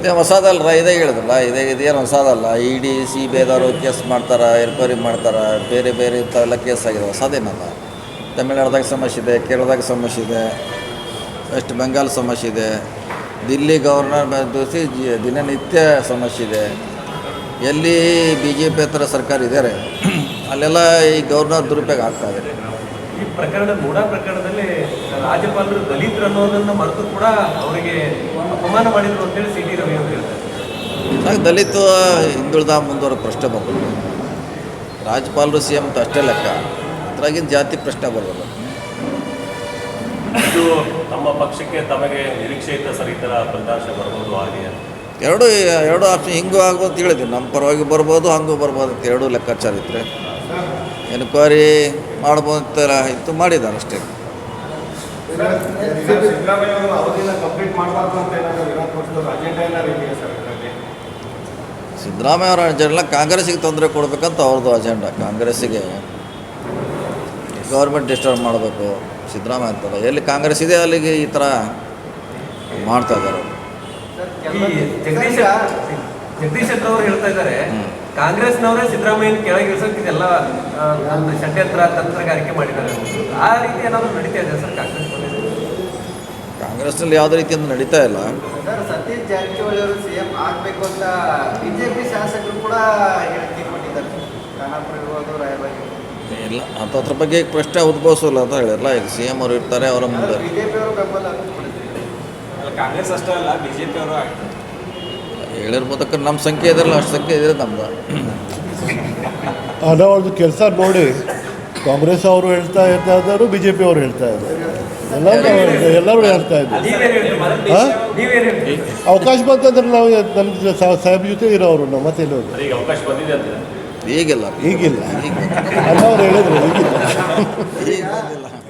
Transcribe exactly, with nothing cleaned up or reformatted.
ಇದೇ ಹೊಸದಲ್ರ, ಇದೇ ಹೇಳಿದ್ರಲ್ಲ, ಇದೇ ಇದೇನು ಹೊಸದಲ್ಲ. ಇ ಡಿ ಸಿ ಬಿ ಐದವರು ಕೇಸ್ ಮಾಡ್ತಾರೆ, ಎನ್ಕ್ವೈರಿ ಮಾಡ್ತಾರೆ, ಬೇರೆ ಬೇರೆ ಇಂಥವೆಲ್ಲ ಕೇಸ್ ಆಗಿದೆ, ಹೊಸದೇನಲ್ಲ. ತಮಿಳ್ನಾಡ್ದಾಗ ಸಮಸ್ಯೆ ಇದೆ, ಕೇರಳದಾಗ ಸಮಸ್ಯೆ ಇದೆ, ವೆಸ್ಟ್ ಬೆಂಗಾಲ್ ಸಮಸ್ಯೆ ಇದೆ, ದಿಲ್ಲಿ ಗವರ್ನರ್ ದೋಸಿ ಜಿ ದಿನನಿತ್ಯ ಸಮಸ್ಯೆ ಇದೆ. ಎಲ್ಲಿ ಬಿ ಜೆ ಪಿ ಹತ್ರ ಸರ್ಕಾರ ಇದ್ದಾರೆ ಅಲ್ಲೆಲ್ಲ ಈ ಗವರ್ನರ್ ದುರುಪಯೋಗ ಆಗ್ತಾಯಿದೆ. ಈ ಪ್ರಕರಣ ಮೂಡಾ ಪ್ರಕರಣದಲ್ಲಿ ರಾಜ್ಯಪಾಲರು ದಲಿತರು ಅನ್ನೋದನ್ನು ಮರೆತು ಕೂಡ ಅವರಿಗೆ ಅಪಮಾನ ಮಾಡಿದ್ರು ಅಂತೇಳಿ ಸಿ ಟಿ ರವಿ ಅವರು ಹೇಳ್ತಾರೆ. ಆಗ ದಲಿತ ಹಿಂದುಳಿದ ಮುಂದುವರೆದ ಪ್ರಶ್ನೆ ಬರ್ತದೆ. ರಾಜ್ಯಪಾಲರು ಸಿ ಎಂ ಅಂತ ಅಷ್ಟೇ ಲೆಕ್ಕ, ಅದ್ರಾಗಿನ ಜಾತಿ ಪ್ರಶ್ನೆ ಬರೋದು. ಇದು ನಮ್ಮ ಪಕ್ಷಕ್ಕೆ ತಮಗೆ ನಿರೀಕ್ಷೆ ಇತ್ತ ಸರ್, ಈ ಥರ ಫಲಿತಾಂಶ ಬರ್ಬೋದು ಹಾಗೆ? ಎರಡು ಎರಡು ಆಪ್ಷನ್ ಹಿಂಗೂ ಆಗ್ಬೋದು ಅಂತ ಹೇಳಿದ್ವಿ. ನಮ್ಮ ಪರವಾಗಿ ಬರ್ಬೋದು, ಹಂಗೂ ಬರ್ಬೋದು ಅಂತ ಎರಡೂ ಲೆಕ್ಕಾಚಾರ ಇದ್ದರೆ ಎನ್ಕ್ವೈರಿ ಮಾಡ್ಬೋದು ಅಂತ ಇತ್ತು, ಮಾಡಿದ್ದಾರೆ ಅಷ್ಟೇ. ಸಿದ್ದರಾಮಯ್ಯ ಅವರ ಅಜೆಂಡ ಕಾಂಗ್ರೆಸ್ಸಿಗೆ ತೊಂದರೆ ಕೊಡಬೇಕಂತ ಅವ್ರದ್ದು ಅಜೆಂಡಾ. ಕಾಂಗ್ರೆಸ್ಸಿಗೆ ಗೌರ್ಮೆಂಟ್ ಡಿಸ್ಟರ್ಬ್ ಮಾಡಬೇಕು ಸಿದ್ದರಾಮಯ್ಯ ಅಂತಲ್ಲ. ಎಲ್ಲಿ ಕಾಂಗ್ರೆಸ್ ಇದೆ ಅಲ್ಲಿಗೆ ಈ ಥರ ಮಾಡ್ತಾ ಇದ್ದಾರೆ. ಜಗದೀಶ್ ಜಗದೀಶ್ ಶೆಟ್ಟರ್ ಅವರು ಹೇಳ್ತಾ ಇದ್ದಾರೆ, ಕಾಂಗ್ರೆಸ್ನವರೇ ಸಿದ್ದರಾಮಯ್ಯನ ಕೆಳಗಿಳಿಸೋಕೆ ಇದೆಲ್ಲ ಒಂದು ಷಡ್ಯಂತ್ರ ತಂತ್ರಗಾರಿಕೆ ಮಾಡಿದ್ದಾರೆ. ಆ ರೀತಿ ಏನಾದರೂ ನಡೀತಾ ಇದೆ ಸರ್ ಕಾಂಗ್ರೆಸ್? ಕಾಂಗ್ರೆಸ್ನಲ್ಲಿ ಯಾವುದೇ ರೀತಿಯಿಂದ ನಡೀತಾ ಇಲ್ಲ ಸರ್. ಸತೀಶ್ ಜಾರಕಿಹೊಳಿ ಅವರು ಸಿ ಎಂ ಆಗಬೇಕು ಅಂತ ಬಿಜೆಪಿ ಶಾಸಕರು ಕೂಡ ಹೇಳಿಕೆ ಕೊಟ್ಟಿದ್ದಾರೆ. ಖಾನಾಪುರ ಇರ್ಬೋದು, ರಾಯಬಾಗಿ ಇಲ್ಲ ಅಂತ ಅದ್ರ ಬಗ್ಗೆ ಪ್ರಶ್ನೆ ಉದ್ಭವಿಸಲ್ಲ ಅಂತ ಹೇಳಿರಲ್ಲ. ಈಗ ಸಿ ಎಂ ಅವರು ಇರ್ತಾರೆ, ಅವರ ಮುಂದೆ ಬಿಜೆಪಿ ಅವರು ಬೆಂಬಲ ಕಾಂಗ್ರೆಸ್ ಅಷ್ಟೇ ಅಲ್ಲ, ಬಿಜೆಪಿ ಅವರು ಹೇಳಿರ್ಬೋದಕ್ಕೆ ನಮ್ಮ ಸಂಖ್ಯೆ ಇದೆಲ್ಲ ಅಷ್ಟು ಸಂಖ್ಯೆ ಇದೆ ನಮ್ದು. ಅನ್ನೋ ಒಂದು ಕೆಲಸ ನೋಡಿ ಕಾಂಗ್ರೆಸ್ ಅವರು ಹೇಳ್ತಾ ಇರ್ತಾ ಇದ್ದಾರೆ, ಬಿ ಜೆ ಪಿ ಅವರು ಹೇಳ್ತಾ ಇದ್ದಾರೆ, ಎಲ್ಲರೂ ಎಲ್ಲರೂ ಹೇಳ್ತಾ ಇದ್ದಾರೆ. ಅವಕಾಶ ಬಂತಂದ್ರೆ ನಾವು ನನ್ನ ಸಾಹೇಬ್ ಜೊತೆ ಇರೋರು ನಾವು ಮತ್ತೆ ಎಲ್ಲೋದು ಈಗ ಅವಕಾಶ ಬಂದಿದೆ ಅಂತ ಈಗಿಲ್ಲ ಈಗಿಲ್ಲ. ಅನ್ನೋರು ಹೇಳಿದ್ರು ಈಗಿಲ್ಲ. ಈಗ ಬಂದಿಲ್ಲ.